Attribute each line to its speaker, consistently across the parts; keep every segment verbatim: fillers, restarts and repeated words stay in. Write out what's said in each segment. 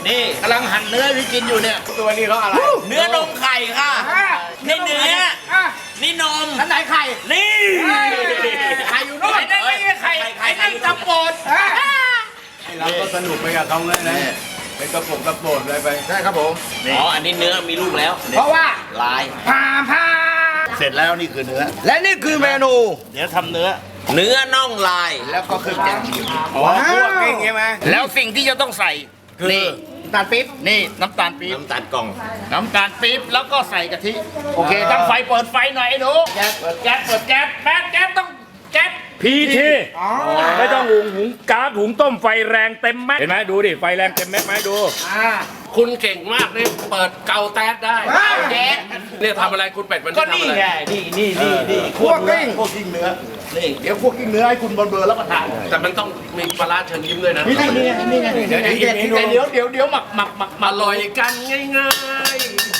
Speaker 1: นี่กำลังหั่นเนื้อพี่กินอยู่เนี่ยตัวนี้เขาอะไรเนื้อนมไข่ค่ะนี่เนื้อนี่นมท่านไหนไข่นี่ไข่อยู่นู่นไอ้นั่นไม่ใช่ไข่ไอ้นั่นตะโปด
Speaker 2: เราก็สนุกไปกับเขาเลยนะเป็นกระปุกกระโปดเลยไป
Speaker 1: ใช่ครับผม
Speaker 3: อ๋ออันนี้เนื้อมีลูกแล้ว
Speaker 1: เพราะว่า
Speaker 3: ลาย
Speaker 1: พาพาเสร็จแล้วนี่คือเนื้อและนี่คือเมนูเดี๋ยวทำเนื้อ
Speaker 3: เนื้อน่องลาย
Speaker 1: แล้วก็เครื่องแกง
Speaker 2: อ๋อพวกกิ้งใช่ไหม
Speaker 1: แล้วสิ่งที่จะต้องใส่นี่น้ำตาลปี๊บนี่น้ำตาลปี๊บ
Speaker 3: น้ำตาลกล่อง
Speaker 1: น้ำตาลปี๊บแล้วก็ใส่กะทิโอเคตั้งไฟเปิดไฟหน่อยไอ้หนูแก๊สเปิดแก๊สเปิดแก๊สแม่แก๊สต้องแก๊ส
Speaker 4: พีทีไม่ต้องหุงหุงก๊าซหุงต้มไฟแรงเต็มแม็กเห็นไหมดูดิไฟแรงเต็มแม็กไหมดู
Speaker 5: คุณเก่งมากนี่เปิดเกาแต๊ดได้เนี่ยทำอะไรคุณเป็ดมัน
Speaker 1: ก็นี่ไงนี่นี่นี่นี่คั่วกิ้งคั่วกิ้งเนื้อนี่เดี๋ยวคั่วกิ้งเนื้อให้คุณบนเบอร์แล้วก็ทาน
Speaker 5: แต่มันต้องมีปลาร้าเชิญยิ้มด้วยนะ
Speaker 1: นี่นี่นี่ไงเดี๋ยวเดี๋ยวเดี๋ยวเดี๋ยวเดี๋ยวหมักหมักหมัก
Speaker 5: อร่อยกันง่าย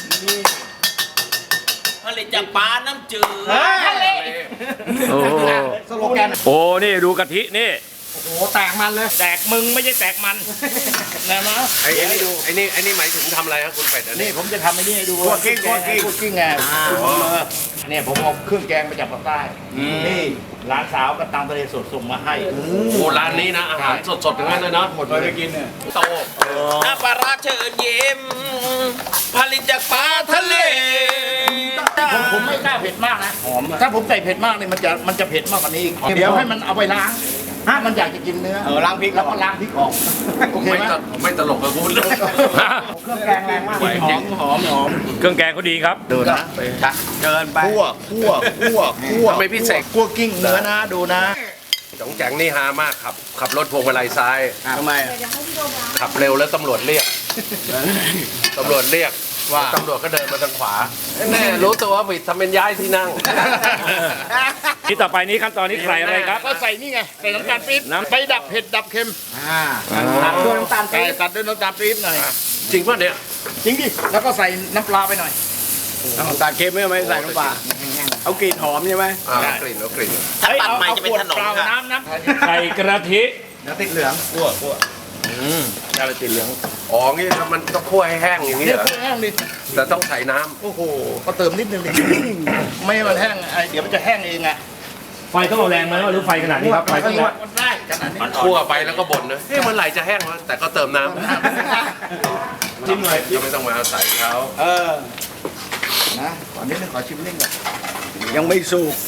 Speaker 3: ผลิตจากปลาน้ำจืด
Speaker 1: ทะเล
Speaker 4: โอ้
Speaker 1: สโลแกน
Speaker 4: โอ้นี่ดูกะทินี่
Speaker 1: โอ้โหแตกมันเลย
Speaker 4: แตกมึงไม่ใช่แตกมัน
Speaker 1: นะมั้ง
Speaker 5: ไอ้นี่ดูไอ้นี่ไอ้นี่หมายถึงทำอะไรครับคุณเป็ดอันนี้
Speaker 1: นี่ผมจะทำไอ้นี่ให้ดูคั่วกิ้งคั่วกิ้งคั่วกิ้งไงเนี่ยผมเอาเครื่องแกงมาจากภาคใต้นี่ร้านสาวก็ตามทะเลสดส่งมาให้
Speaker 5: โอ้ร้านนี้นะอาหารสดๆทั้งนั้นเลยเนาะ
Speaker 2: หมดไปกินเนี่ย
Speaker 5: โต
Speaker 3: น้ำปลาร้าเชิญยิ้มผลิตจากปลาทะเล
Speaker 1: ผมผมไม่กล้าเผ็ดมากนะหอมถ้าผมใส่เผ็ดมากเนี่ยมันจะมันจะเผ็ดมากกว่านี้เดี๋ยวให้มันเอาไปล้างถ้ามันอยากจะกินเนื้อ
Speaker 2: เออล้างพริก
Speaker 1: แล้วก็ล้างพริกออกโอเคไหม
Speaker 5: ไม่ตลกกับคุณเลย
Speaker 1: เครื่องแกงแรงมากหอมหอมหอม
Speaker 4: เครื่องแกงเขาดีครับ
Speaker 1: ดูนะ
Speaker 2: เกินไป
Speaker 1: คั่วคั่วคั่วคั่ว
Speaker 5: ไม่พิเศษ
Speaker 1: คั่วกิ้งเนื้อนะดูนะ
Speaker 5: จ๋องแจ๋งนี่ฮามากครับขับรถพวงมาลัยซ้าย
Speaker 2: ทำไม
Speaker 5: ขับเร็วแล้วตำรวจเรียกตำรวจเรียกว่าตำรวจก็เดินมาทางขวาแน่รู้ตัวว่าผิดทำเป็นย้ายที่นั่ง
Speaker 4: ที่ต่อไปนี้ขั้นตอนนี้ใส่อะไรครับ
Speaker 1: ก็ใส่นี่ไงใส่น้ำตาลปี๊บน้ำไปดับเผ็ดดับเค็ม
Speaker 2: ตัดด้วยน้ำตาลปี๊บ
Speaker 1: ตัดด้วยน้ำตาลปี๊บหน่อย
Speaker 5: จริงป่ะเนี่ย
Speaker 1: จริงดิแล้วก็ใส่น้ำปลาไปหน่อย
Speaker 2: น้ำตาลเค็มไม่ไม่ใส่น้ำปลาเอากลิ่นหอมใช่ไหม
Speaker 5: กลิ่นเอากลิ่น
Speaker 3: ถ้าปัดใหม่จะเป็นถนนค่ะ
Speaker 1: น้ำน้
Speaker 4: ใส่กระทิ
Speaker 2: น้ำติดเหลือง
Speaker 1: คั่วคั่ว
Speaker 5: อืมอะไรติดเหลืองอ๋องี้มันต้องคั่วให้แห้งอย่างนี้เหรอ
Speaker 1: แห้งดิ
Speaker 5: แต่ต้องใส่น้
Speaker 1: ำโอ้โหก็เติมนิดนึงดิไม่ให้มันแห้งไอเดี๋ยวมันจะแห้งเองไง
Speaker 4: ไฟต้องเอาแรงไหมหรือไฟขนาดนี้ครับไฟต้องแรง
Speaker 1: ได้ขนาดนี้
Speaker 5: คั่วไปแล้วก็บ่นนะเฮ้ยมันไหลจะแห้งแล้วแต่ก็เติมน้ำ
Speaker 1: ชิมหน่อย
Speaker 5: ก็ไม่ต้องมาใส่เขา
Speaker 1: เออนะก่อนนิดนึงขอชิมนิดก่อน
Speaker 2: ยังไม่สุก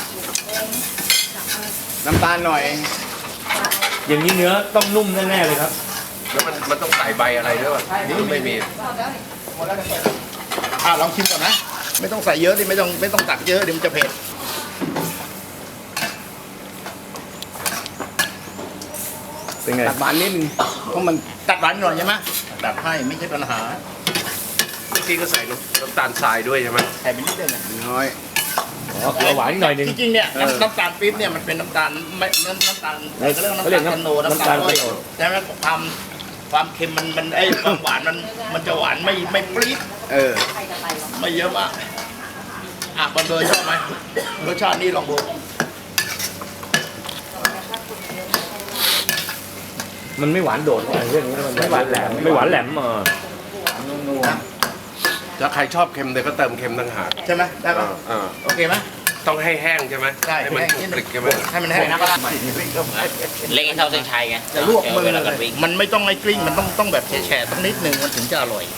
Speaker 2: น้ำตาลหน่อย
Speaker 4: อย่างนี้เนื้อต้องนุ่มแน่ๆเลยครับ
Speaker 5: แล้วมันมันต้องใส่ใบอะไรด้วยป่ะนี่ไม่มี
Speaker 1: อ่าลองชิมก่อนนะไม่ต้องใส่เยอะดิไม่ต้องไม่ต้องตักเยอะเดี๋ยวมันจะเผ็ด
Speaker 2: เป็นไงตัดหวานนิดนึงเพราะมัน
Speaker 1: ตัดหวานหน่อยใช่ไหมตัดให้ไม่ใช่ปัญหา
Speaker 5: เมื่อกี้ก็ใส่น้ำตาลทรายด้วยใช่ไหม
Speaker 1: ใส่ไปนิดเดียว
Speaker 2: น้อย
Speaker 4: อ๋อเกลือหวานหน่อยนึง
Speaker 1: จริงๆเนี่ยน้ำตาลปี๊บเนี่ยมันเป็นน้ำตาลไม่น้ำตาลเขาเรียกน้ำตาลคาโนน้ำตาลแต่ว่าความความเค็มมันมันไอ้ความหวานมันมันจะหวานไม่ไม่ปรี๊ด
Speaker 2: เออ
Speaker 1: ไม่เยอะมากอ่ะบอลเบอร์ชอบไหมรสชาตินี้ลองดู
Speaker 4: มันไม่หวานโดดอะไรเรื่องนี้มันไม่หวานแหลมไม่หวานแหลมเออ
Speaker 5: ถ้าใครชอบเค็มเดี๋ยวก็เติมเค็มต่างหาก
Speaker 1: ใช่ไหมได้ป่ะโอเคไหม
Speaker 5: ต้องให้แห้งใช่ไหม
Speaker 1: ใช่
Speaker 5: ให้มันกริบใช่ไหม
Speaker 1: ให้มันแห้งนะ
Speaker 3: เล็กให้เท่าเส้นชัยไง
Speaker 1: จะลวกมือมันไม่ต้องไอ้กลิ้งมันต้องต้องแบบแฉะๆต้องนิดนึงมันถึงจะอร่อย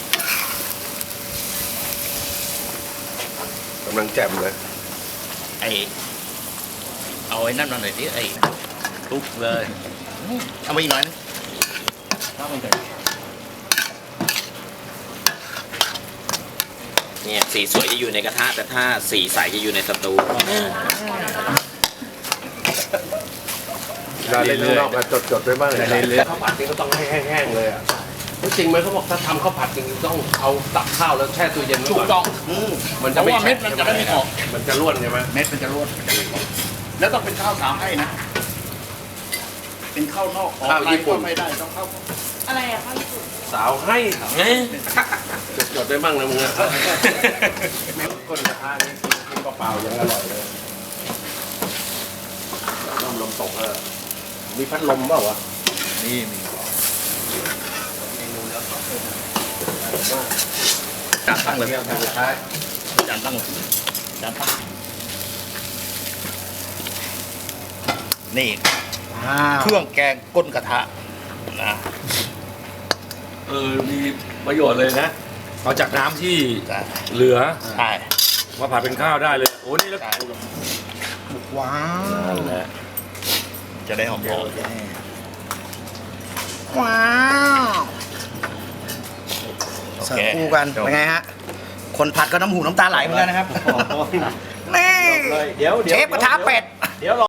Speaker 5: กำลังแจ่มเลย
Speaker 1: ไอเอาไอ้นั่นมาหน่อยดิไอ้ทุกเลยเอามาอีกหน่อยนึงเอามาอีกหน่อย
Speaker 3: เนี่ยสีสวยจะอยู่ในกระทะแต่ถ้าสีใสจะอยู่ในสตู
Speaker 5: เราเล่นนอกมาจดๆด้วยบ้างเลยข้าวผัดนี่ก็ต้องให้แห้งๆเลยอ่ะจริงไหมเขาบอกถ้าทำข้าวผัดจริงต้องเอาตักข้าวแล้วแช่ตู้เย็นไว้ก่อน
Speaker 1: ถูกต้อง
Speaker 5: มันจะไม่
Speaker 1: เม็ดมันจะไม่ออก
Speaker 5: มันจะร่วนใช่ไหม
Speaker 1: เม็ดมันจะร่วนแล้วต้องเป็นข้าวสาวให้นะเป็นข้าวนอก
Speaker 5: ข้าวญี่ปุ่น
Speaker 1: ไม่ได้ต้องข้าว
Speaker 6: อะไรอะข้าวญี่ปุ่น
Speaker 5: สาวให้จดได้บ้างนะมึงอะก้นกระทะนี่กินเปล่าๆยังอร่อยเลยน้ำลมตกเลยมีพัดลมเปล่าวะ
Speaker 1: นี่มี
Speaker 4: จานตั้งเลยจานตั้งเลยจานตั้ง
Speaker 1: นี่เครื่องแกงก้นกระทะนะ
Speaker 4: เออมีประโยชน์เลยนะเอาจากน้ำที่
Speaker 1: ใช่
Speaker 4: เหลือ
Speaker 1: ใช่
Speaker 4: มาผัดเป็นข้าวได้เลยโอ้นี่แล้ว
Speaker 1: ใช่ว้าว
Speaker 4: นั่นแหละ
Speaker 1: จะได้หอมๆว้าว
Speaker 6: เสิร์ฟคู่กันเป็นไงฮะ คนผัดก็น้ำหูน้ำตาไหลเหมือนกันนะครับ นี่
Speaker 2: เดี๋ยวเดี๋ยว
Speaker 6: เชฟกระทะเป็ด
Speaker 2: เดี๋ยวรอ